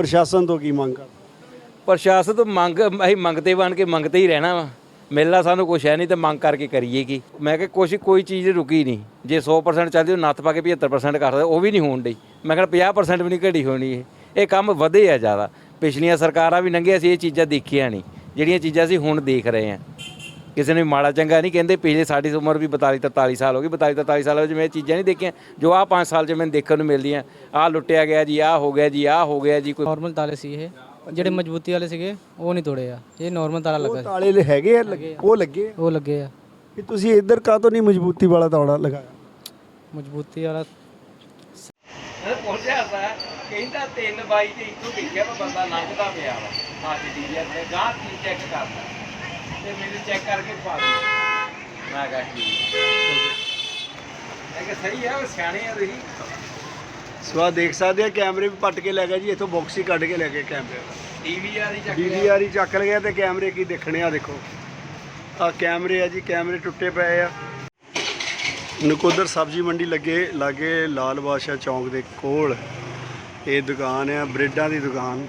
ਪ੍ਰਸ਼ਾਸਨ ਤੋਂ ਕੀ ਮੰਗ ਕਰਦੇ? ਪ੍ਰਸ਼ਾਸਨ ਤੋਂ ਮੰਗ ਅਸੀਂ ਮੰਗਤੇ ਬਣ ਕੇ ਮੰਗਤੇ ਹੀ ਰਹਿਣਾ ਵਾ। ਮਿਲਣਾ ਸਾਨੂੰ ਕੁਛ ਹੈ ਨਹੀਂ ਤੇ ਮੰਗ ਕਰਕੇ ਕਰੀਏ ਕੀ। ਮੈਂ ਕਿਹਾ ਕੋਈ ਚੀਜ਼ ਰੁਕੀ ਨਹੀਂ। ਜੇ 100% ਚੱਲਦੀ ਉਹ ਨੱਥ ਪਾ ਕੇ 75% ਕਰਦੇ, ਉਹ ਵੀ ਨਹੀਂ ਹੋਣ ਡਈ। ਮੈਂ ਕਿਹਾ 50% ਵੀ ਨਹੀਂ ਘਟੀ ਹੋਣੀ। ਇਹ ਕੰਮ ਵਧੇ ਆ ਜ਼ਿਆਦਾ। ਪਿਛਲੀਆਂ ਸਰਕਾਰਾਂ ਵੀ ਲੰਘੀਆਂ ਸੀ, ਇਹ ਚੀਜ਼ਾਂ ਦੇਖੀਆਂ ਨਹੀਂ ਜਿਹੜੀਆਂ ਚੀਜ਼ਾਂ ਅਸੀਂ ਹੁਣ ਦੇਖ ਰਹੇ ਹਾਂ। ਕਿਸੇ ਨੇ ਮਾੜਾ ਚੰਗਾ ਨਹੀਂ ਕਹਿੰਦੇ। ਪਿਛਲੇ ਸਾਡੀ ਉਮਰ ਵੀ 42-43 ਸਾਲ ਹੋ ਗਈ। 42-43 ਸਾਲ ਵਿੱਚ ਮੈਂ ਇਹ ਚੀਜ਼ਾਂ ਨਹੀਂ ਦੇਖੀਆਂ ਜੋ ਆਹ 5 ਸਾਲ 'ਚ ਮੈਨੂੰ ਦੇਖਣ ਨੂੰ ਮਿਲਦੀਆਂ। ਆਹ ਲੁੱਟਿਆ ਗਿਆ ਜੀ, ਆਹ ਹੋ ਗਿਆ ਜੀ, ਆਹ ਹੋ ਗਿਆ ਜੀ। ਕੋਈ ਨੋਰਮਲ ਤਾਲੇ ਸੀ ਇਹ, ਜਿਹੜੇ ਮਜ਼ਬੂਤੀ ਵਾਲੇ ਸੀਗੇ ਉਹ ਨਹੀਂ ਤੋੜੇ ਆ। ਇਹ ਨੋਰਮਲ ਤਾਲਾ ਲੱਗਾ ਉਹ ਤਾਲੇ ਹੈਗੇ ਆ, ਉਹ ਲੱਗੇ ਆ ਕਿ ਤੁਸੀਂ ਇੱਧਰ ਕਾਹਤੋਂ ਨਹੀਂ ਮਜ਼ਬੂਤੀ ਵਾਲਾ ਤਾਲਾ ਲਗਾਇਆ? ਮਜ਼ਬੂਤੀ ਵਾਲਾ ਪਹੁੰਚਿਆ ਸਾ ਕਹਿੰਦਾ 3 ਬਾਈ ਤੇ ਇੱਥੋਂ ਦੇਖਿਆ ਵਾ ਬੰਦਾ ਲੰਘਦਾ ਪਿਆ ਵਾ। ਅੱਜ ਡੀਜੇ ਤੇ ਗਾਹ ਕੀ ਚੈੱਕ ਕਰਦਾ ਤੇ ਮੈਨੂੰ ਚੈੱਕ ਕਰਕੇ ਪਾ ਦੇ। ਮੈਂ ਕਿਹਾ ਠੀਕ ਹੈ ਕਿ ਸਹੀ ਆ। ਉਹ ਸਿਆਣੇ ਆ ਤੁਸੀਂ। ਸੋ ਆਹ ਦੇਖ ਸਕਦੇ ਆ ਕੈਮਰੇ ਵੀ ਪੱਟ ਕੇ ਲੈ ਗਿਆ ਜੀ। ਇੱਥੋਂ ਬਾਕਸ ਹੀ ਕੱਢ ਕੇ ਲੈ ਗਏ ਕੈਮਰੇ ਦਾ। DVR ਹੀ ਚੱਕ ਲਿਆ ਤੇ ਕੈਮਰੇ ਕੀ ਦੇਖਣੇ ਆ। ਦੇਖੋ ਆਹ ਕੈਮਰੇ ਆ ਜੀ, ਕੈਮਰੇ ਟੁੱਟੇ ਪਏ ਆ। ਨਕੋਦਰ ਸਬਜ਼ੀ ਮੰਡੀ ਲਾਗੇ ਲਾਲ ਬਾਦਸ਼ਾਹ ਚੌਂਕ ਦੇ ਕੋਲ ਇਹ ਦੁਕਾਨ ਆ, ਬ੍ਰੈਡਾਂ ਦੀ ਦੁਕਾਨ,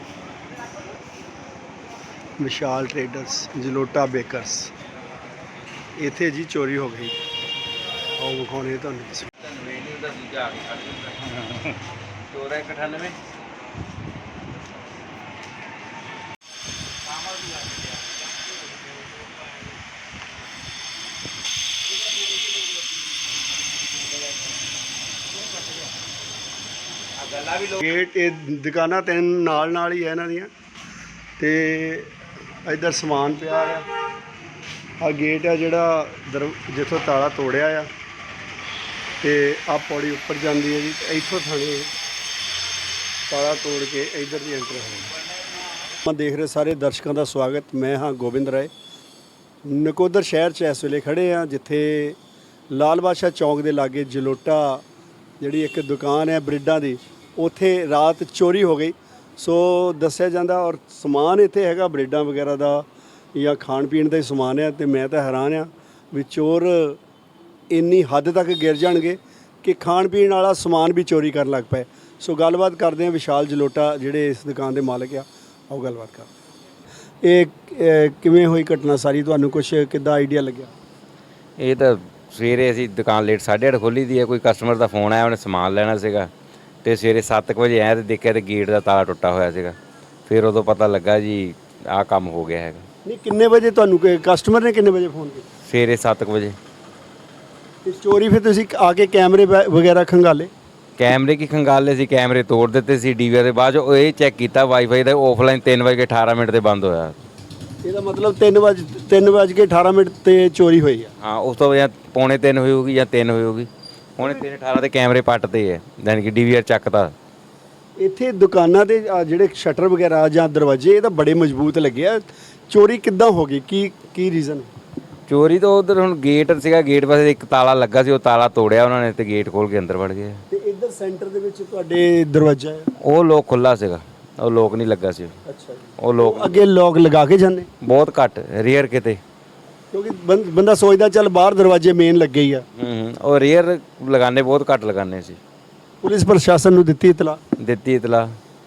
ਵਿਸ਼ਾਲ ਟ੍ਰੇਡਰਸ, ਜਲੋਟਾ ਬੇਕਰਸ। ਇੱਥੇ ਜੀ ਚੋਰੀ ਹੋ ਗਈ। ਆਓ ਵਿਖਾਉਣੇ ਤੁਹਾਨੂੰ। ਚੋਰਾ 98 ਗੇਟ ਇਹ ਦੁਕਾਨਾਂ ਤਿੰਨ ਨਾਲ ਹੀ ਹੈ ਇਹਨਾਂ ਦੀਆਂ ਤੇ ਇੱਧਰ ਸਮਾਨ ਪਿਆ ਆ ਗੇਟ ਆ ਜਿਹੜਾ ਜਿੱਥੋਂ ਤਾਲਾ ਤੋੜਿਆ ਆ ਤੇ ਆ ਪੌੜੀ ਉੱਪਰ ਜਾਂਦੀ ਹੈ ਜੀ। ਇੱਥੋਂ ਥਾਣੇ ਤਾਲਾ ਤੋੜ ਕੇ ਇੱਧਰ ਦੀ ਐਂਟਰ ਹੋਣਾ। ਮੈਂ ਦੇਖ ਰਹੇ ਸਾਰੇ ਦਰਸ਼ਕਾਂ ਦਾ ਸਵਾਗਤ। ਮੈਂ ਹਾਂ ਗੋਬਿੰਦ ਰਾਏ। ਨਕੋਦਰ ਸ਼ਹਿਰ 'ਚ ਇਸ ਵੇਲੇ ਖੜੇ ਆ ਜਿੱਥੇ ਲਾਲ ਬਾਦਸ਼ਾਹ ਚੌਂਕ ਦੇ ਲਾਗੇ ਜਲੋਟਾ ਜਿਹੜੀ ਇੱਕ ਦੁਕਾਨ ਹੈ ਬ੍ਰੈਡਾਂ ਦੀ, ਉੱਥੇ ਰਾਤ ਚੋਰੀ ਹੋ ਗਈ। ਸੋ ਦੱਸਿਆ ਜਾਂਦਾ ਔਰ ਸਮਾਨ ਇੱਥੇ ਹੈਗਾ ਬ੍ਰੈਡਾਂ ਵਗੈਰਾ ਦਾ ਜਾਂ ਖਾਣ ਪੀਣ ਦਾ ਹੀ ਸਮਾਨ ਹੈ। ਤੇ ਮੈਂ ਤਾਂ ਹੈਰਾਨ ਆ ਵੀ ਚੋਰ ਇੰਨੀ ਹੱਦ ਤੱਕ ਗਿਰ ਜਾਣਗੇ ਕਿ ਖਾਣ ਪੀਣ ਵਾਲਾ ਸਮਾਨ ਵੀ ਚੋਰੀ ਕਰਨ ਲੱਗ ਪਏ। ਸੋ ਗੱਲਬਾਤ ਕਰਦੇ ਹਾਂ ਵਿਸ਼ਾਲ ਜਲੋਟਾ ਜਿਹੜੇ ਇਸ ਦੁਕਾਨ ਦੇ ਮਾਲਕ ਆ। ਆਓ ਗੱਲਬਾਤ ਕਰਦੇ। ਇਹ ਕਿਵੇਂ ਹੋਈ ਘਟਨਾ ਸਾਰੀ, ਤੁਹਾਨੂੰ ਕੁਛ ਕਿੱਦਾਂ ਆਈਡੀਆ ਲੱਗਿਆ? ਇਹ ਤਾਂ ਸਵੇਰੇ ਅਸੀਂ ਦੁਕਾਨ ਲੇਟ 8:30 ਖੋਲ੍ਹੀ ਦੀ ਹੈ। ਕੋਈ ਕਸਟਮਰ ਦਾ ਫੋਨ ਆਇਆ, ਉਹਨੇ ਸਮਾਨ ਲੈਣਾ ਸੀਗਾ ਤੇ ਸਵੇਰੇ 7 ਵਜੇ ਆਇਆ ਤੇ ਦੇਖਿਆ ਤੇ ਗੇਟ ਦਾ ਤਾਲਾ ਟੁੱਟਾ ਹੋਇਆ ਸੀਗਾ। ਫਿਰ ਉਦੋਂ ਪਤਾ ਲੱਗਾ ਜੀ ਆਹ ਕੰਮ ਹੋ ਗਿਆ ਹੈਗਾ। ਨਹੀਂ ਕਿੰਨੇ ਵਜੇ ਤੁਹਾਨੂੰ ਕਸਟਮਰ ਨੇ ਕਿੰਨੇ ਵਜੇ ਫੋਨ ਕੀਤਾ? ਸਵੇਰੇ 7 ਵਜੇ। ਤੇ ਚੋਰੀ ਫਿਰ ਤੁਸੀਂ ਆ ਕੇ ਕੈਮਰੇ ਵਗੈਰਾ ਖੰਗਾਲੇ? ਕੈਮਰੇ ਕੀ ਖੰਗਾਲੇ ਸੀ, ਕੈਮਰੇ ਤੋੜ ਦਿੱਤੇ ਸੀ। DVR ਦੇ ਬਾਅਦ ਉਹ ਇਹ ਚੈੱਕ ਕੀਤਾ ਵਾਈਫਾਈ ਦਾ, ਆਫਲਾਈਨ 3:18 ਤੇ ਬੰਦ ਹੋਇਆ। ਇਹਦਾ ਮਤਲਬ 3:18 ਤੇ ਚੋਰੀ ਹੋਈ ਆ। ਹਾਂ, ਉਸ ਤੋਂ ਜਾਂ 2:45 ਹੋਈ ਹੋਊਗੀ ਜਾਂ 3 ਹੋਈ ਹੋਊਗੀ। ਹੁਣ 3:18 ਤੇ ਕੈਮਰੇ ਪੱਟਦੇ ਆ, ਯਾਨੀ ਕਿ DVR ਚੱਕਤਾ। ਇੱਥੇ ਦੁਕਾਨਾਂ ਦੇ ਜਿਹੜੇ ਸ਼ਟਰ ਵਗੈਰਾ ਜਾਂ ਦਰਵਾਜ਼ੇ ਇਹ ਤਾਂ ਬੜੇ ਮਜ਼ਬੂਤ ਲੱਗੇ ਆ। ਚੋਰੀ ਕਿੱਦਾਂ ਹੋ ਗਈ? ਕੀ ਰੀਜ਼ਨ? ਚੋਰੀ ਤਾਂ ਉਧਰ ਹੁਣ ਗੇਟ ਸੀਗਾ, ਗੇਟ ਪਾਸੇ ਇੱਕ ਤਾਲਾ ਲੱਗਾ ਸੀ, ਉਹ ਤਾਲਾ ਤੋੜਿਆ ਉਹਨਾਂ ਨੇ ਤੇ ਗੇਟ ਖੋਲ ਕੇ ਅੰਦਰ ਵੜ ਗਏ। ਤੇ ਇੱਧਰ ਸੈਂਟਰ ਦੇ ਵਿੱਚ ਤੁਹਾਡੇ ਦਰਵਾਜ਼ਾ ਹੈ, ਉਹ ਲੋਕ ਖੁੱਲਾ ਸੀਗਾ, ਉਹ ਲੋਕ ਨਹੀਂ ਲੱਗਾ ਸੀ। ਅੱਛਾ ਜੀ। ਉਹ ਲੋਕ ਅੱਗੇ ਲੋਕ ਲਗਾ ਕੇ ਜਾਂਦੇ ਬਹੁਤ ਘੱਟ, ਰੇਅਰ ਕਿਤੇ। ਕਿਉਂਕਿ ਬੰਦਾ ਸੋਚਦਾ ਚੱਲ ਬਾਹਰ ਦਰਵਾਜ਼ੇ ਮੇਨ ਲੱਗੇ ਹੀ ਆ। ਉਹ ਰੇਅਰ ਲਗਾਨੇ, ਬਹੁਤ ਘੱਟ ਲਗਾਨੇ ਸੀ। ਪੁਲਿਸ ਪ੍ਰਸ਼ਾਸਨ ਨੂੰ ਦਿੱਤੀ ਇਤਲਾ? ਦਿੱਤੀ ਇਤਲਾ,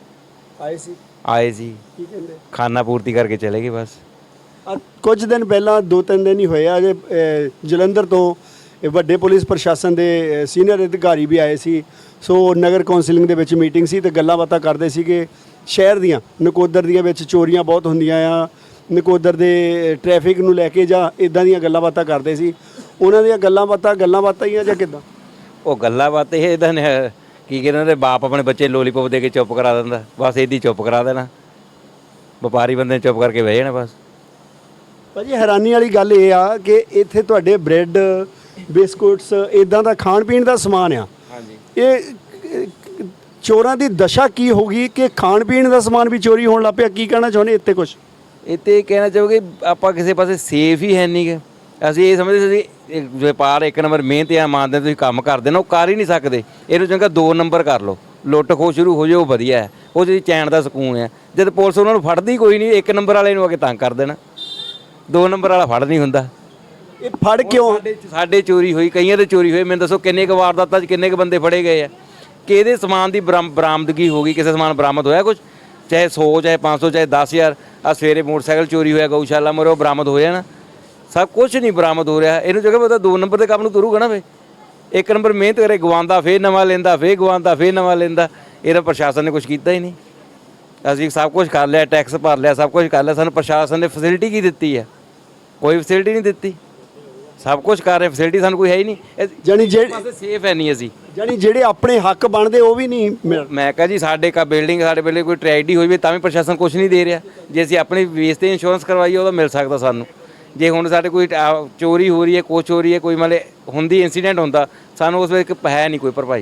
ਆਏ ਸੀ। ਕੀ ਕਹਿੰਦੇ? ਖਾਨਾ ਪੂਰਤੀ ਕਰਕੇ ਚਲੇ ਗਏ ਬਸ। ਕੁਝ ਦਿਨ ਪਹਿਲਾਂ 2-3 ਦਿਨ ਹੀ ਹੋਏ ਆ ਜੇ ਜਲੰਧਰ ਤੋਂ ਵੱਡੇ ਪੁਲਿਸ ਪ੍ਰਸ਼ਾਸਨ ਦੇ ਸੀਨੀਅਰ ਅਧਿਕਾਰੀ ਵੀ ਆਏ ਸੀ। ਸੋ ਨਗਰ ਕੌਂਸਲਿੰਗ ਦੇ ਵਿੱਚ ਮੀਟਿੰਗ ਸੀ ਤੇ ਗੱਲਾਂ ਬਾਤਾਂ ਕਰਦੇ ਸੀਗੇ ਸ਼ਹਿਰ ਦੀਆਂ, ਨਕੋਦਰ ਦੀਆਂ ਵਿੱਚ ਚੋਰੀਆਂ ਬਹੁਤ ਹੁੰਦੀਆਂ ਆ, ਨਕੋਦਰ ਦੇ ਟ੍ਰੈਫਿਕ ਨੂੰ ਲੈ ਕੇ ਜਾਂ ਇਦਾਂ ਦੀਆਂ ਗੱਲਾਂ ਬਾਤਾਂ ਕਰਦੇ ਸੀ। ਉਹਨਾਂ ਦੀਆਂ ਗੱਲਾਂ ਬਾਤਾਂ ਹੀ ਆ ਜਾਂ ਕਿੱਦਾਂ? ਉਹ ਗੱਲਾਂ ਬਾਤਾਂ ਇਹ ਇਦਾਂ ਨੇ, ਕੀ ਕਹਿੰਦੇ ਉਹਦੇ ਬਾਪ ਆਪਣੇ ਬੱਚੇ ਲੋਲੀਪੋਪ ਦੇ ਕੇ ਚੁੱਪ ਕਰਾ ਦਿੰਦਾ, ਬਸ ਇੱਦਾਂ ਚੁੱਪ ਕਰਾ ਦੇਣਾ। ਵਪਾਰੀ ਬੰਦੇ ਚੁੱਪ ਕਰਕੇ ਬਹਿ ਜਾਣਾ ਬਸ। ਭਾਜੀ ਹੈਰਾਨੀ ਵਾਲੀ ਗੱਲ ਇਹ ਆ ਕਿ ਇੱਥੇ ਤੁਹਾਡੇ ਬ੍ਰੈਡ, ਬਿਸਕੁਟਸ ਇਦਾਂ ਦਾ ਖਾਣ ਪੀਣ ਦਾ ਸਮਾਨ ਆ। ਹਾਂਜੀ। ਇਹ ਚੋਰਾਂ ਦੀ ਦਸ਼ਾ ਕੀ ਹੋ ਗਈ ਕਿ ਖਾਣ ਪੀਣ ਦਾ ਸਮਾਨ ਵੀ ਚੋਰੀ ਹੋਣ ਲੱਗ ਪਿਆ? ਕੀ ਕਹਿਣਾ ਚਾਹੁੰਦੇ ਇੱਥੇ? ਕੁਛ ਇੱਥੇ ਕਹਿਣਾ ਚਾਹੋਗੇ ਆਪਾਂ ਕਿਸੇ ਪਾਸੇ ਸੇਫ ਹੀ ਹੈ ਨਹੀਂ ਗੇ। ਅਸੀਂ ਇਹ ਸਮਝਦੇ ਸੀ ਵਪਾਰ 1 ਨੰਬਰ ਮਿਹਨਤ ਆ ਇਮਾਨਦਾਰੀ ਤੁਸੀਂ ਕੰਮ ਕਰਦੇ ਨਾ, ਉਹ ਕਰ ਹੀ ਨਹੀਂ ਸਕਦੇ। ਇਹਨੂੰ ਚੰਗਾ 2 ਨੰਬਰ ਕਰ ਲਓ, ਲੁੱਟ ਖੋਹ ਸ਼ੁਰੂ ਹੋ ਜਾਏ, ਉਹ ਵਧੀਆ ਹੈ। ਉਹ ਜਿਹੜੀ ਚੈਨ ਦਾ ਸਕੂਨ ਹੈ। ਜਦ ਪੁਲਿਸ ਉਹਨਾਂ ਨੂੰ ਫੜਦੀ ਕੋਈ ਨਹੀਂ, 1 ਨੰਬਰ ਵਾਲੇ ਨੂੰ ਆ ਕੇ ਤੰਗ ਕਰ ਦੇਣਾ, 2 ਨੰਬਰ ਵਾਲਾ ਫੜ ਨਹੀਂ ਹੁੰਦਾ। ਇਹ ਫੜ ਕਿਉਂ? ਸਾਡੇ ਚੋਰੀ ਹੋਈ, ਕਈਆਂ ਦੇ ਚੋਰੀ ਹੋਏ। ਮੈਨੂੰ ਦੱਸੋ ਕਿੰਨੇ ਕੁ ਵਾਰਦਾਤਾਂ 'ਚ ਕਿੰਨੇ ਕੁ ਬੰਦੇ ਫੜੇ ਗਏ ਆ? ਕਿਹਦੇ ਸਮਾਨ ਦੀ ਬਰਾਮਦਗੀ ਹੋ ਗਈ? ਕਿਸੇ ਸਮਾਨ ਬਰਾਮਦ ਹੋਇਆ ਕੁਝ? ਚਾਹੇ 100 ਚਾਹੇ 500 ਚਾਹੇ 10,000 ਆ ਸਵੇਰੇ ਮੋਟਰਸਾਈਕਲ ਚੋਰੀ ਹੋਇਆ ਗਊਸ਼ਾਲਾ ਮੋਰੇ ਉਹ ਬਰਾਮਦ ਹੋ ਜਾਣਾ। ਸਭ ਕੁਝ ਨਹੀਂ ਬਰਾਮਦ ਹੋ ਰਿਹਾ। ਇਹਨੂੰ ਜਗ੍ਹਾ ਪਤਾ 2 ਨੰਬਰ ਦੇ ਕੰਮ ਨੂੰ ਤੁਰੂਗਾ ਨਾ ਵੇ। 1 ਨੰਬਰ ਮਿਹਨਤ ਕਰੇ, ਗਵਾਉਂਦਾ ਫੇਰ ਨਵਾਂ ਲੈਂਦਾ, ਫੇਰ ਗਵਾਉਂਦਾ ਫੇਰ ਨਵਾਂ ਲੈਂਦਾ। ਇਹਦਾ ਪ੍ਰਸ਼ਾਸਨ ਨੇ ਕੁਝ ਕੀਤਾ ਹੀ ਨਹੀਂ। ਅਸੀਂ ਸਭ ਕੁਝ ਕਰ ਲਿਆ, ਟੈਕਸ ਭਰ ਲਿਆ, ਸਭ ਕੁਝ ਕਰ ਲਿਆ, ਸਾਨੂੰ ਪ੍ਰਸ਼ਾਸਨ ਨੇ ਫੈਸਿਲਿਟੀ ਕੀ ਦਿੱਤੀ ਹੈ? ਕੋਈ ਫੈਸਿਲਿਟੀ ਨਹੀਂ ਦਿੱਤੀ। ਸਭ ਕੁਝ ਕਰ ਰਹੇ, ਫੈਸਿਲਿਟੀ ਸਾਨੂੰ ਕੋਈ ਹੈ ਹੀ ਨਹੀਂ। ਜਾਣੀ ਜਿਹੜੇ ਸੇਫ ਹੈ ਨਹੀਂ ਅਸੀਂ। ਜਾਣੀ ਜਿਹੜੇ ਆਪਣੇ ਹੱਕ ਬਣਦੇ ਉਹ ਵੀ ਨਹੀਂ ਮਿਲ। ਮੈਂ ਕਹਾਂ ਜੀ ਸਾਡੇ ਬਿਲਡਿੰਗ ਕੋਈ ਟ੍ਰੈਜਡੀ ਹੋਈ ਵੀ ਤਾਂ ਵੀ ਪ੍ਰਸ਼ਾਸਨ ਕੁਝ ਨਹੀਂ ਦੇ ਰਿਹਾ। ਜੇ ਅਸੀਂ ਆਪਣੀ ਬੇਸ ਤੇ ਇੰਸ਼ੋਰੈਂਸ ਕਰਵਾਈਏ ਉਹਦਾ ਮਿਲ ਸਕਦਾ ਸਾਨੂੰ। ਜੇ ਹੁਣ ਸਾਡੇ ਕੋਈ ਚੋਰੀ ਹੋ ਰਹੀ ਹੈ, ਕੁਛ ਹੋ ਰਹੀ ਹੈ, ਕੋਈ ਮਤਲਬ ਹੁੰਦੀ ਇੰਸੀਡੈਂਟ ਹੁੰਦਾ, ਸਾਨੂੰ ਉਸ ਵੇਲੇ ਹੈ ਨਹੀਂ ਕੋਈ ਭਰਪਾਈ।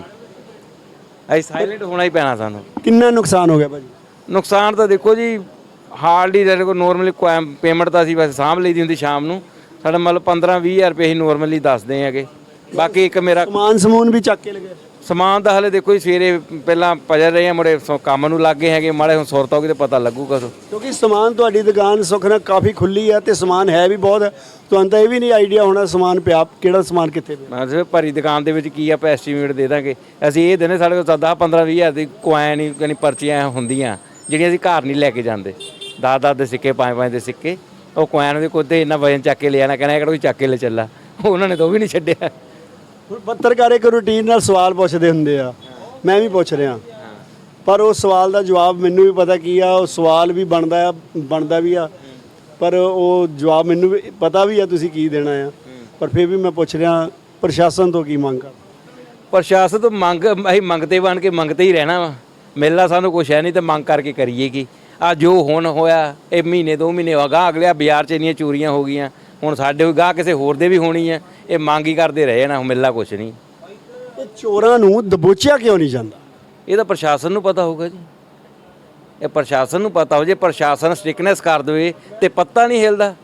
ਅਸੀਂ ਸਾਇਲੈਂਟ ਹੋਣਾ ਹੀ ਪੈਣਾ ਸਾਨੂੰ। ਕਿੰਨਾ ਨੁਕਸਾਨ ਹੋ ਗਿਆ ਭਾਜੀ? ਨੁਕਸਾਨ ਤਾਂ ਦੇਖੋ ਜੀ ਹਾਰਡਲੀ ਸਾਡੇ ਕੋਲ ਨੋਰਮਲੀ ਪੇਮੈਂਟ ਤਾਂ ਅਸੀਂ ਵੈਸੇ ਸਾਂਭ ਲਈ ਦੀ ਹੁੰਦੀ ਸ਼ਾਮ ਨੂੰ। ਸਾਡਾ ਮਤਲਬ 15-20 ਹਜ਼ਾਰ ਰੁਪਏ ਅਸੀਂ ਨੋਰਮਲੀ ਦੱਸਦੇ ਹੈਗੇ। ਬਾਕੀ ਇੱਕ ਮੇਰਾ ਸਮੂਨ ਵੀ ਚੱਕ ਕੇ ਲਗੇ। ਸਮਾਨ ਤਾਂ ਹਲੇ ਦੇਖੋ ਜੀ ਸਵੇਰੇ ਪਹਿਲਾਂ ਪਜਰ ਰਹੇ ਆ ਮੁੜੇ ਕੰਮ ਨੂੰ ਲੱਗ ਗਏ ਹੈਗੇ। ਮਾੜੇ ਹੁਣ ਸੁਰਤ ਹੋਊਗੀ ਤਾਂ ਪਤਾ ਲੱਗੂਗਾ। ਕਿਉਂਕਿ ਸਮਾਨ ਤੁਹਾਡੀ ਦੁਕਾਨ ਸੁੱਖ ਨਾਲ ਕਾਫੀ ਖੁੱਲੀ ਆ ਤੇ ਸਮਾਨ ਹੈ ਵੀ ਬਹੁਤ। ਤੁਹਾਨੂੰ ਤਾਂ ਇਹ ਵੀ ਨਹੀਂ ਆਈਡੀਆ ਹੋਣਾ ਸਮਾਨ ਪਿਆ ਕਿਹੜਾ ਸਮਾਨ ਕਿੱਥੇ ਪਿਆ। ਮੈਂ ਸਿਰਫ ਭਰੀ ਦੁਕਾਨ ਦੇ ਵਿੱਚ ਕੀ ਆਪਾਂ ਐਸਟੀਮੇਟ ਦੇ ਦਾਂਗੇ। ਅਸੀਂ ਇਹ ਦਿਨੇ ਸਾਡੇ ਕੋਲ 10-15-20 ਹਜ਼ਾਰ ਦੀ ਕੋਇਨ ਹੀ ਯਾਨੀ ਪਰਚੀਆਂ ਹੁੰਦੀਆਂ ਜਿਹੜੀਆਂ ਅਸੀਂ ਘਰ ਨਹੀਂ ਲੈ ਕੇ ਜਾਂਦੇ। 10-10 ਦੇ ਸਿੱਕੇ 5-5 ਦੇ ਸਿੱਕੇ ਉਹ ਕੋਇਨ ਦੇ ਕੋਤੇ ਇੰਨਾ ਵਜਨ ਚੱਕ ਕੇ ਲੈ ਆਣਾ ਕਹਿਣਾ ਕਿਹੜਾ ਕੋਈ ਚੱਕ ਕੇ ਲੈ ਚੱਲਾ। ਉਹਨਾਂ ਨੇ ਤਾਂ ਉਹ ਵੀ ਨਹੀਂ ਛੱਡਿਆ। ਹੁਣ ਪੱਤਰਕਾਰ ਇੱਕ ਰੂਟੀਨ ਨਾਲ ਸਵਾਲ ਪੁੱਛਦੇ ਹੁੰਦੇ ਆ, ਮੈਂ ਵੀ ਪੁੱਛ ਰਿਹਾ, ਪਰ ਉਹ ਸਵਾਲ ਦਾ ਜਵਾਬ ਮੈਨੂੰ ਵੀ ਪਤਾ ਕੀ ਆ। ਉਹ ਸਵਾਲ ਵੀ ਬਣਦਾ ਵੀ ਆ, ਪਰ ਉਹ ਜਵਾਬ ਮੈਨੂੰ ਵੀ ਪਤਾ ਵੀ ਆ ਤੁਸੀਂ ਕੀ ਦੇਣਾ ਆ। ਪਰ ਫਿਰ ਵੀ ਮੈਂ ਪੁੱਛ ਰਿਹਾ ਪ੍ਰਸ਼ਾਸਨ ਤੋਂ ਕੀ ਮੰਗ ਕਰ? ਪ੍ਰਸ਼ਾਸਨ ਤੋਂ ਅਸੀਂ ਮੰਗਤੇ ਬਣ ਕੇ ਮੰਗਤੇ ਹੀ ਰਹਿਣਾ ਵਾ। ਮਿਲਣਾ ਸਾਨੂੰ ਕੁਛ ਹੈ ਨਹੀਂ ਤਾਂ ਮੰਗ ਕਰਕੇ ਕਰੀਏ ਕੀ। ਆ ਜੋ ਹੁਣ ਹੋਇਆ ਇਹ ਮਹੀਨੇ 2 ਮਹੀਨੇ ਹੋ ਗਏ ਅਗਲੇ ਬਾਜ਼ਾਰ 'ਚ ਇੰਨੀਆਂ ਚੋਰੀਆਂ ਹੋ ਗਈਆਂ। ਹੁਣ ਸਾਡੇ ਕੋਈ ਗਾਹ ਕਿਸੇ ਹੋਰ ਦੇ ਵੀ ਹੋਣੀ ਹੈ। ਇਹ ਮੰਗ ਹੀ ਕਰਦੇ ਰਹੇ ਨਾ, ਮਿਲਣਾ ਕੁਛ ਨਹੀਂ। ਇਹ ਚੋਰਾਂ ਨੂੰ ਦਬੋਚਿਆ ਕਿਉਂ ਨਹੀਂ ਜਾਂਦਾ? ਇਹ ਤਾਂ ਪ੍ਰਸ਼ਾਸਨ ਨੂੰ ਪਤਾ ਹੋਊਗਾ ਜੀ। ਇਹ ਪ੍ਰਸ਼ਾਸਨ ਨੂੰ ਪਤਾ ਹੋ। ਜੇ ਪ੍ਰਸ਼ਾਸਨ ਸਟ੍ਰਿਕਨੈਸ ਕਰ ਦੇਵੇ ਤੇ ਪੱਤਾ ਨਹੀਂ ਹਿਲਦਾ।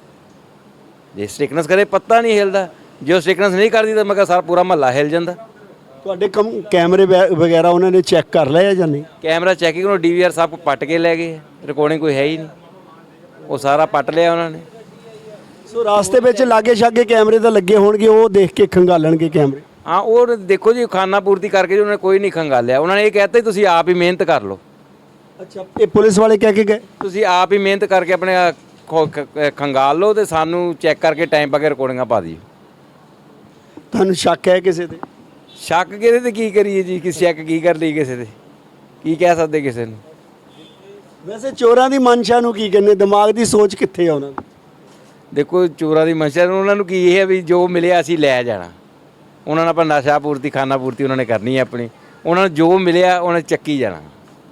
ਜੇ ਸਟ੍ਰਿਕਨੈਸ ਕਰੇ ਪੱਤਾ ਨਹੀਂ ਹਿਲਦਾ। ਜੇ ਉਹ ਸਟ੍ਰਿਕਨੈਸ ਨਹੀਂ ਕਰਦੀ ਤਾਂ ਮੈਂ ਕਿਹਾ ਸਾਰਾ ਪੂਰਾ ਮਹੱਲਾ ਹਿਲ ਜਾਂਦਾ। ਤੁਹਾਡੇ ਕੈਮਰੇ ਵਗੈਰਾ ਉਹਨਾਂ ਨੇ ਚੈੱਕ ਕਰ ਲਿਆ ਜਾਂ ਨਹੀਂ? ਕੈਮਰਾ ਚੈਕਿੰਗ ਨੂੰ DVR ਸਭ ਕੁਝ ਪੱਟ ਕੇ ਲੈ ਗਏ। ਰਿਕਾਰਡਿੰਗ ਕੋਈ ਹੈ ਹੀ ਨਹੀਂ। ਉਹ ਸਾਰਾ ਪੱਟ ਲਿਆ ਉਹਨਾਂ ਨੇ। ਸੋ ਰਾਸਤੇ ਵਿੱਚ ਲਾਗੇ ਛਾਗੇ ਕੈਮਰੇ ਤਾਂ ਲੱਗੇ ਹੋਣਗੇ, ਉਹ ਦੇਖ ਕੇ ਖੰਗਾਲਣਗੇ ਕੈਮਰੇ। ਹਾਂ ਉਹ ਦੇਖੋ ਜੀ ਖਾਨਾ ਪੂਰਤੀ ਕਰਕੇ ਜੀ ਉਹਨਾਂ ਨੇ ਕੋਈ ਨਹੀਂ ਖੰਗਾਲਿਆ। ਉਹਨਾਂ ਨੇ ਇਹ ਕਹਿਤਾ ਤੁਸੀਂ ਆਪ ਹੀ ਮਿਹਨਤ ਕਰ ਲਓ। ਅੱਛਾ, ਇਹ ਪੁਲਿਸ ਵਾਲੇ ਕਹਿ ਕੇ ਗਏ ਤੁਸੀਂ ਆਪ ਹੀ ਮਿਹਨਤ ਕਰਕੇ ਆਪਣੇ ਖੰਗਾਲ ਲਓ ਤੇ ਸਾਨੂੰ ਚੈੱਕ ਕਰਕੇ ਟਾਈਮ ਪਾ ਕੇ ਰਿਕਾਰਡਿੰਗਾਂ ਪਾ ਦਿਓ। ਤੁਹਾਨੂੰ ਸ਼ੱਕ ਹੈ ਕਿਸੇ ਤੇ? ਸ਼ੱਕ ਕਿਹਦੇ ਤੇ ਕੀ ਕਰੀਏ ਜੀ? ਕਿਸੇ ਸ਼ੱਕ ਕੀ ਕਰ ਲਈ ਕਿਸੇ ਤੇ? ਕੀ ਕਹਿ ਸਕਦੇ ਕਿਸੇ ਨੂੰ? ਵੈਸੇ ਚੋਰਾਂ ਦੀ ਮਨਸ਼ਾ ਨੂੰ ਕੀ ਕਹਿੰਦੇ? ਦਿਮਾਗ ਦੀ ਸੋਚ ਕਿੱਥੇ ਆ ਉਹਨਾਂ ਦੀ? ਦੇਖੋ ਚੋਰਾਂ ਦੀ ਮਨਸ਼ਾ ਉਹਨਾਂ ਨੂੰ ਕੀ ਇਹ ਹੈ ਵੀ ਜੋ ਮਿਲਿਆ ਅਸੀਂ ਲੈ ਜਾਣਾ। ਉਹਨਾਂ ਨਾਲ ਆਪਾਂ ਨਸ਼ਾ ਪੂਰਤੀ ਖਾਨਾ ਪੂਰਤੀ ਉਹਨਾਂ ਨੇ ਕਰਨੀ ਹੈ ਆਪਣੀ। ਉਹਨਾਂ ਨੂੰ ਜੋ ਮਿਲਿਆ ਉਹਨੇ ਚੱਕੀ ਜਾਣਾ।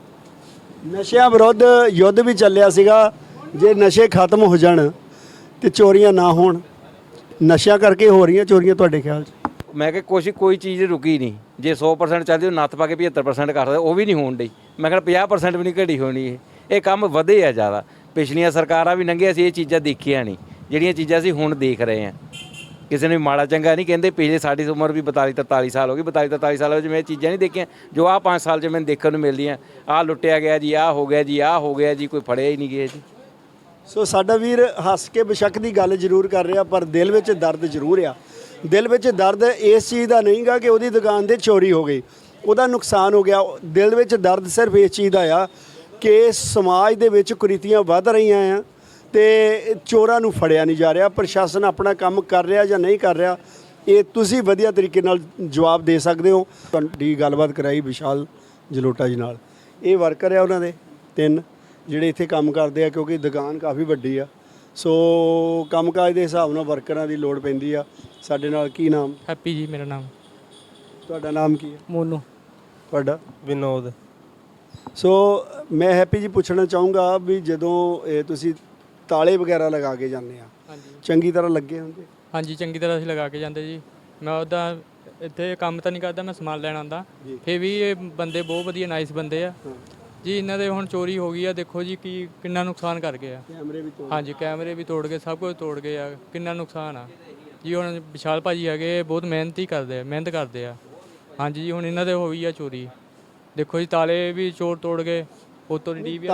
ਨਸ਼ਿਆਂ ਵਿਰੁੱਧ ਯੁੱਧ ਵੀ ਚੱਲਿਆ ਸੀਗਾ। ਜੇ ਨਸ਼ੇ ਖਤਮ ਹੋ ਜਾਣ ਤੇ ਚੋਰੀਆਂ ਨਾ ਹੋਣ, ਨਸ਼ਿਆਂ ਕਰਕੇ ਹੋ ਰਹੀਆਂ ਚੋਰੀਆਂ ਤੁਹਾਡੇ ਖਿਆਲ 'ਚ? ਮੈਂ ਕਿਹਾ ਕੋਈ ਚੀਜ਼ ਰੁਕੀ ਨਹੀਂ। ਜੇ 100% ਚੱਲਦੀ ਉਹ ਨੱਥ ਪਾ ਕੇ 75% ਕਰ ਸਕਦੇ, ਉਹ ਵੀ ਨਹੀਂ ਹੋਣ ਡਈ। ਮੈਂ ਕਿਹਾ 50% ਵੀ ਨਹੀਂ ਘਟੀ ਹੋਣੀ। ਇਹ ਕੰਮ ਵਧੇ ਆ ਜ਼ਿਆਦਾ। ਪਿਛਲੀਆਂ ਸਰਕਾਰਾਂ ਵੀ ਲੰਘੀਆਂ ਸੀ, ਇਹ ਚੀਜ਼ਾਂ ਦੇਖੀਆਂ ਨਹੀਂ ਜਿਹੜੀਆਂ ਚੀਜ਼ਾਂ ਅਸੀਂ ਹੁਣ ਦੇਖ ਰਹੇ ਹਾਂ। ਕਿਸੇ ਨੂੰ ਮਾੜਾ ਚੰਗਾ ਨਹੀਂ ਕਹਿੰਦੇ। ਪਿਛਲੇ ਸਾਡੀ ਉਮਰ ਵੀ 42-43 ਸਾਲ ਹੋ ਗਈ। 42-43 ਸਾਲਾਂ ਵਿੱਚ ਮੈਂ ਇਹ ਚੀਜ਼ਾਂ ਨਹੀਂ ਦੇਖੀਆਂ ਜੋ ਆਹ 5 ਸਾਲ 'ਚ ਮੈਨੂੰ ਦੇਖਣ ਨੂੰ ਮਿਲਦੀਆਂ। ਆਹ ਲੁੱਟਿਆ ਗਿਆ ਜੀ, ਆਹ ਹੋ ਗਿਆ ਜੀ, ਆਹ ਹੋ ਗਿਆ ਜੀ, ਕੋਈ ਫੜਿਆ ਹੀ ਨਹੀਂ ਗਿਆ ਜੀ। ਸੋ ਸਾਡਾ ਵੀਰ ਹੱਸ ਕੇ ਬੇਸ਼ੱਕ ਦੀ ਗੱਲ ਜ਼ਰੂਰ ਕਰ ਰਿਹਾ, ਪਰ ਦਿਲ ਵਿੱਚ ਦਰਦ ਜ਼ਰੂਰ ਆ। ਦਿਲ ਵਿੱਚ ਦਰਦ ਇਸ ਚੀਜ਼ ਦਾ ਨਹੀਂਗਾ ਕਿ ਉਹਦੀ ਦੁਕਾਨ 'ਤੇ ਚੋਰੀ ਹੋ ਗਈ, ਉਹਦਾ ਨੁਕਸਾਨ ਹੋ ਗਿਆ। ਦਿਲ ਵਿੱਚ ਦਰਦ ਸਿਰਫ ਇਸ ਚੀਜ਼ ਦਾ ਆ ਕਿ ਸਮਾਜ ਦੇ ਵਿੱਚ ਕੁਰੀਤੀਆਂ ਵੱਧ ਰਹੀਆਂ ਆ ਤੇ ਚੋਰਾਂ ਨੂੰ ਫੜਿਆ ਨਹੀਂ ਜਾ ਰਿਹਾ। ਪ੍ਰਸ਼ਾਸਨ ਆਪਣਾ ਕੰਮ ਕਰ ਰਿਹਾ ਜਾਂ ਨਹੀਂ ਕਰ ਰਿਹਾ, ਇਹ ਤੁਸੀਂ ਵਧੀਆ ਤਰੀਕੇ ਨਾਲ ਜਵਾਬ ਦੇ ਸਕਦੇ ਹੋ। ਤੁਹਾਡੀ ਗੱਲਬਾਤ ਕਰਾਈ ਵਿਸ਼ਾਲ ਜਲੋਟਾ ਜੀ ਨਾਲ। ਇਹ ਵਰਕਰ ਆ ਉਹਨਾਂ ਦੇ 3 ਜਿਹੜੇ ਇੱਥੇ ਕੰਮ ਕਰਦੇ ਆ, ਕਿਉਂਕਿ ਦੁਕਾਨ ਕਾਫੀ ਵੱਡੀ ਆ। ਸੋ ਕੰਮਕਾਜ ਦੇ ਹਿਸਾਬ ਨਾਲ ਵਰਕਰਾਂ ਦੀ ਲੋੜ ਪੈਂਦੀ ਆ। ਸਾਡੇ ਨਾਲ ਕੀ ਨਾਮ? ਹੈਪੀ ਜੀ ਮੇਰਾ ਨਾਮ। ਤੁਹਾਡਾ ਨਾਮ ਕੀ ਹੈ? ਮੋਨੂ। ਤੁਹਾਡਾ? ਵਿਨੋਦ। ਸੋ ਮੈਂ ਹੈਪੀ ਜੀ ਪੁੱਛਣਾ ਚਾਹੂੰਗਾ ਵੀ ਜਦੋਂ ਇਹ ਤੁਸੀਂ ਤਾਲੇ ਵਗੈਰਾ ਲਗਾ ਕੇ ਜਾਂਦੇ ਆ, ਹਾਂਜੀ ਚੰਗੀ ਤਰ੍ਹਾਂ ਲੱਗੇ ਹੁੰਦੇ? ਹਾਂਜੀ ਚੰਗੀ ਤਰ੍ਹਾਂ ਅਸੀਂ ਲਗਾ ਕੇ ਜਾਂਦੇ ਜੀ। ਮੈਂ ਉੱਦਾਂ ਇੱਥੇ ਕੰਮ ਤਾਂ ਨਹੀਂ ਕਰਦਾ, ਮੈਂ ਸਮਾਨ ਲੈਣ ਆਉਂਦਾ। ਫਿਰ ਵੀ ਇਹ ਬੰਦੇ ਬਹੁਤ ਵਧੀਆ ਨਾਈਸ ਬੰਦੇ ਆ ਜੀ। ਇਹਨਾਂ ਦੇ ਹੁਣ ਚੋਰੀ ਹੋ ਗਈ ਆ, ਦੇਖੋ ਜੀ ਕਿੰਨਾ ਨੁਕਸਾਨ ਕਰ ਗਏ ਆ। ਕੈਮਰੇ ਵੀ ਤੋੜ? ਹਾਂਜੀ ਕੈਮਰੇ ਵੀ ਤੋੜ ਗਏ, ਸਭ ਕੁਝ ਤੋੜ ਗਏ ਆ। ਕਿੰਨਾ ਨੁਕਸਾਨ ਆ ਜੀ। ਹੁਣ ਵਿਸ਼ਾਲ ਭਾਜੀ ਹੈਗੇ ਬਹੁਤ ਮਿਹਨਤ ਕਰਦੇ ਆ। ਹਾਂਜੀ ਜੀ ਹੁਣ ਇਹਨਾਂ ਦੇ ਹੋਈ ਆ ਚੋਰੀ। ਦੇਖੋ ਜੀ ਤਾਲੇ ਵੀ ਚੋਰ ਤੋੜ ਗਏ। ਉਤੋਂ DVR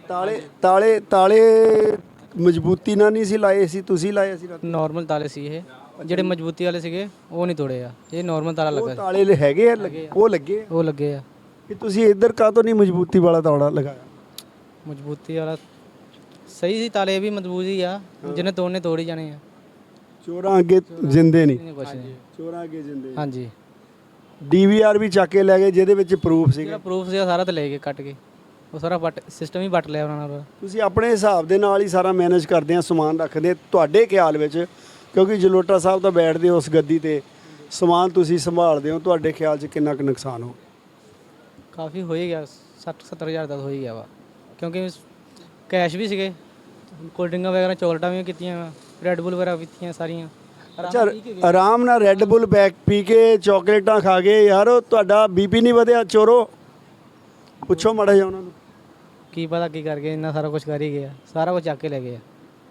ਤਾਲੇ ਮਜ਼ਬੂਤੀ ਨਾਲ ਨਹੀਂ ਸੀ ਲਾਏ ਸੀ, ਤੁਸੀਂ ਲਾਏ ਸੀ? ਨਾਰਮਲ ਤਾਲੇ ਸੀ ਇਹ, ਜਿਹੜੇ ਮਜ਼ਬੂਤੀ ਵਾਲੇ ਸੀਗੇ ਉਹ ਨਹੀਂ ਤੋੜੇ ਆ। ਇਹ ਨਾਰਮਲ ਤਾਲਾ ਉਹ ਲੱਗਾ ਤਾਲੇ ਹੈਗੇ ਆ, ਉਹ ਲੱਗੇ ਉਹ ਲੱਗੇ ਆ। ਕਿ ਤੁਸੀਂ ਇੱਧਰ ਕਾਹਤੋਂ ਨਹੀਂ ਮਜ਼ਬੂਤੀ ਵਾਲਾ ਤਾਲਾ ਲਗਾਇਆ? ਮਜ਼ਬੂਤੀ ਵਾਲਾ ਸਹੀ ਸੀ, ਤਾਲੇ ਵੀ ਮਜ਼ਬੂਤ ਹੀ ਆ, ਜਿਹਨੇ ਤੋੜਨੇ ਤੋੜ ਹੀ ਜਾਣੇ ਆ। ਚੋਰਾਂ ਅੱਗੇ ਜਿੰਦੇ ਨਹੀਂ, ਨਹੀਂ ਕੁਛ ਨਹੀਂ। ਚੋਰਾਂ ਅੱਗੇ ਜਿੰਦੇ। ਹਾਂਜੀ, ਡੀਵੀਆਰ ਵੀ ਚੱਕ ਕੇ ਲੈ ਗਏ ਜਿਹਦੇ ਵਿੱਚ ਪ੍ਰੂਫ ਸੀਗਾ। ਜਿਹੜਾ ਪ੍ਰੂਫ ਸੀ ਸਾਰਾ ਤੇ ਲੈ ਕੇ ਕੱਟ ਕੇ, ਉਹ ਸਾਰਾ ਸਿਸਟਮ ਹੀ ਵੱਟ ਲਿਆ ਉਹਨਾਂ ਨਾਲ। ਤੁਸੀਂ ਆਪਣੇ ਹਿਸਾਬ ਦੇ ਨਾਲ ਹੀ ਸਾਰਾ ਮੈਨੇਜ ਕਰਦੇ ਆ, ਸਮਾਨ ਰੱਖਦੇ ਆ। ਤੁਹਾਡੇ ਖਿਆਲ ਵਿੱਚ, ਕਿਉਂਕਿ ਜਲੋਟਾ ਸਾਹਿਬ ਤਾਂ ਬੈਠਦੇ ਹੋ ਉਸ ਗੱਦੀ ਤੇ, ਸਮਾਨ ਤੁਸੀਂ ਸੰਭਾਲਦੇ ਹੋ, ਤੁਹਾਡੇ ਖਿਆਲ 'ਚ ਕਿੰਨਾ ਕੁ ਨੁਕਸਾਨ ਹੋ? ਕਾਫੀ ਹੋ ਹੀ ਗਿਆ, 60-70 ਹਜ਼ਾਰ ਦਾ ਹੋ ਹੀ ਗਿਆ ਵਾ, ਕਿਉਂਕਿ ਕੈਸ਼ ਵੀ ਸੀਗੇ, ਕੋਲਡ ਡਰਿੰਕਾਂ ਵਗੈਰਾ ਚੋਕਲੇਟਾਂ ਵੀ ਕੀਤੀਆਂ ਵਾ, ਰੈੱਡ ਬੁੱਲ ਵਗੈਰਾ ਪੀਤੀਆਂ ਸਾਰੀਆਂ। ਅੱਛਾ, ਆਰਾਮ ਨਾਲ ਰੈੱਡ ਬੁੱਲ ਪੀ ਕੇ ਚਾਕਲੇਟਾਂ ਖਾ ਗਏ ਯਾਰ, ਉਹ ਤੁਹਾਡਾ ਬੀਪੀ ਨਹੀਂ ਵਧਿਆ ਚੋਰੋ? ਪੁੱਛੋ ਮਾੜਾ ਜਿਹਾ ਉਹਨਾਂ ਨੂੰ। ਕੀ ਪਤਾ ਕੀ ਕਰਕੇ ਇੰਨਾ ਸਾਰਾ ਕੁਝ ਕਰ ਹੀ ਗਿਆ, ਸਾਰਾ ਕੁਝ ਚੱਕ ਕੇ ਲੈ ਗਏ ਆ।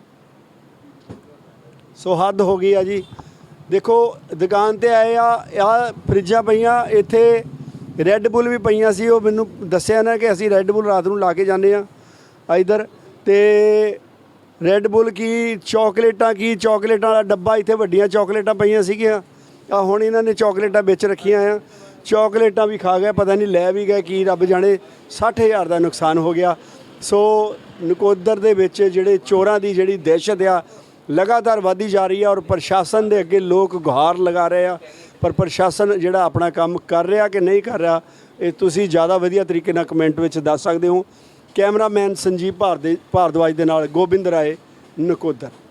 ਸੋ ਹੱਦ ਹੋ ਗਈ ਆ ਜੀ। ਦੇਖੋ ਦੁਕਾਨ ਤੇ ਆਏ ਆ ਫਰਿੱਜਾਂ ਪਈਆਂ, ਇੱਥੇ ਰੈੱਡ ਬੁੱਲ ਵੀ ਪਈਆਂ ਸੀ। ਉਹ ਮੈਨੂੰ ਦੱਸਿਆ ਨਾ ਕਿ ਅਸੀਂ ਰੈੱਡ ਬੁੱਲ ਰਾਤ ਨੂੰ ਲਾ ਕੇ ਜਾਂਦੇ ਆ ਇੱਧਰ, ਤੇ ਰੈੱਡ ਬੁੱਲ ਕੀ ਚਾਕਲੇਟਾਂ ਵਾਲਾ ਡੱਬਾ, ਇੱਥੇ ਵੱਡੀਆਂ ਚਾਕਲੇਟਾਂ ਪਈਆਂ ਸੀਗੀਆਂ। ਆ ਹੁਣ ਇਹਨਾਂ ਨੇ ਚਾਕਲੇਟਾਂ ਵਿੱਚ ਰੱਖੀਆਂ ਆ, ਚਾਕਲੇਟਾਂ ਵੀ ਖਾ ਗਏ, ਪਤਾ ਨਹੀਂ ਲੈ ਵੀ ਗਏ ਕੀ, ਰੱਬ ਜਾਣੇ। 60,000 ਦਾ ਨੁਕਸਾਨ ਹੋ ਗਿਆ। ਸੋ ਨਕੋਦਰ ਦੇ ਵਿੱਚ ਜਿਹੜੇ ਚੋਰਾਂ ਦੀ ਜਿਹੜੀ ਦਹਿਸ਼ਤ ਆ ਲਗਾਤਾਰ ਵਧਦੀ ਜਾ ਰਹੀ ਆ, ਔਰ ਪ੍ਰਸ਼ਾਸਨ ਦੇ ਅੱਗੇ ਲੋਕ ਗੁਹਾਰ ਲਗਾ ਰਹੇ ਆ। ਪਰ ਪ੍ਰਸ਼ਾਸਨ ਜਿਹੜਾ ਆਪਣਾ ਕੰਮ ਕਰ ਰਿਹਾ ਕਿ ਨਹੀਂ ਕਰ ਰਿਹਾ, ਇਹ ਤੁਸੀਂ ਜ਼ਿਆਦਾ ਵਧੀਆ ਤਰੀਕੇ ਨਾਲ ਕਮੈਂਟ ਵਿੱਚ ਦੱਸ ਸਕਦੇ ਹੋ। ਕੈਮਰਾਮੈਨ ਸੰਜੀਵ ਭਾਰਦਵਾਜ ਦੇ ਨਾਲ ਗੋਬਿੰਦ ਰਾਏ, ਨਕੋਦਰ।